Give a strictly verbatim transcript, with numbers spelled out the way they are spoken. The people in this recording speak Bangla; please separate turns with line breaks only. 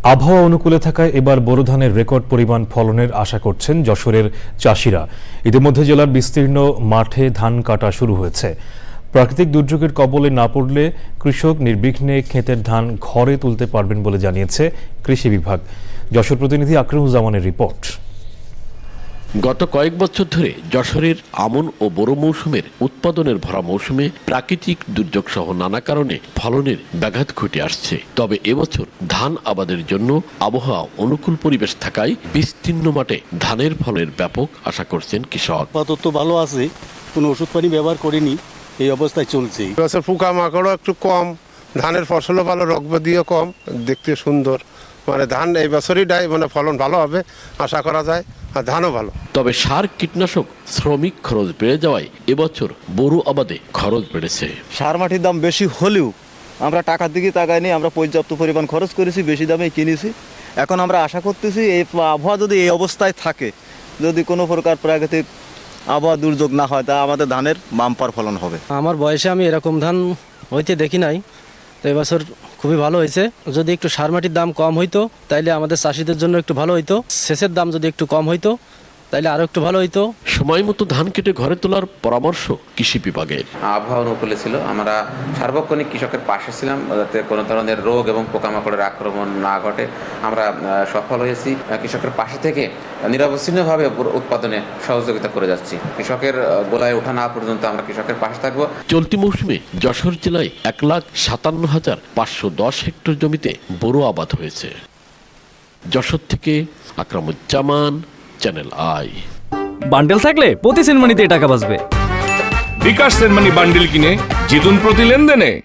আবহাওয়া অনুকূলে থাকায় এবার বোরো ধানের রেকর্ড পরিমাণ ফলনের আশা করছেন যশোরের চাষিরা। ইতিমধ্যে জেলার বিস্তীর্ণ মাঠে ধান কাটা শুরু হয়েছে। প্রাকৃতিক দুর্যোগের কবলে না পড়লে কৃষক নির্বিঘ্নে ক্ষেতের ধান ঘরে তুলতে পারবেন বলে জানিয়েছে কৃষি বিভাগ। যশোর প্রতিনিধি আকরামুজ্জামানের রিপোর্ট।
গত কয়েক বছর ধরে যশোরের আমন ও বোরো মৌসুমের উৎপাদনের ভরা মৌসুমে প্রাকৃতিক দুর্যোগ সহ নানা কারণে ফলনের ব্যাঘাত ঘটে আসছে। তবে এবছর ধান আবাদের জন্য আবহাওয়া অনুকূল পরিবেশ থাকায় বিস্তীর্ণ মাঠে ধানের ফলের ব্যাপক আশা করছেন কৃষক।
আপাতত ভালো আছে, কোনো ওষুধ পানি ব্যবহার করিনি, এই অবস্থায় চলছে।
এবছর পোকা মাকড়ও একটু কম, ধানের ফসলও ভালো, রোগব্যাধিও কম, দেখতে সুন্দর। মানে ধান এই বছরই ডাই মানে ফলন ভালো হবে আশা করা যায়, আর ধানও ভালো।
তবে সার, কীটনাশক, শ্রমিক খরচ বেড়ে যাওয়ায় এবছর বোরো আবাদে খরচ বেড়েছে।
সার মাটির দাম বেশি হলেও আমরা টাকার দিকে তাকাইনি, আমরা পর্যাপ্ত পরিমাণ খরচ করেছি, বেশি দামে কিনেছি। এখন আমরা আশা করতেছি এই আবহাওয়া যদি এই অবস্থায় থাকে, যদি কোনো প্রকার প্রাকৃতিক আবহাওয়া দুর্যোগ না হয়, তা আমাদের ধানের বাম্পার ফলন হবে।
আমার বয়সে আমি এরকম ধান হইতে দেখি নাই, তো এবছর খুবই ভালো হয়েছে। যদি একটু সার মাটির দাম কম হইতো তাইলে আমাদের চাষিদের জন্য একটু ভালো হইতো। সেচের দাম যদি একটু কম হইতো তাইলে আরো একটু ভালো হইতো।
সময় মতো ধান কেটে ঘরে তোলার পরামর্শ কৃষি বিভাগের।
আবহাওয়া অনুকূলে ছিল, আমরা সার্বক্ষণিক কৃষকের পাশে ছিলাম যাতে কোনো ধরনের রোগ এবং পোকামাকড়ের আক্রমণ না ঘটে। আমরা সফল হয়েছি, কৃষকের পাশে থেকে নিরবচ্ছিন্নভাবে উৎপাদনে সহযোগিতা করে যাচ্ছি। কৃষকের গোলায় ওঠা না পর্যন্ত আমরা কৃষকের পাশে থাকবো।
চলতি মৌসুমে যশোর জেলায় এক লাখ সাতান্ন হাজার পাঁচশো দশ হেক্টর জমিতে বোরো আবাদ হয়েছে। যশোর থেকে আকরামুজ্জামান, চ্যানেল আই।
বান্ডেল থাকলে প্রতি সেনমানিতে টাকা বাঁচবে।
বিকাশ সেনমানি বান্ডেল কিনে জিতুন প্রতি লেনদেনে।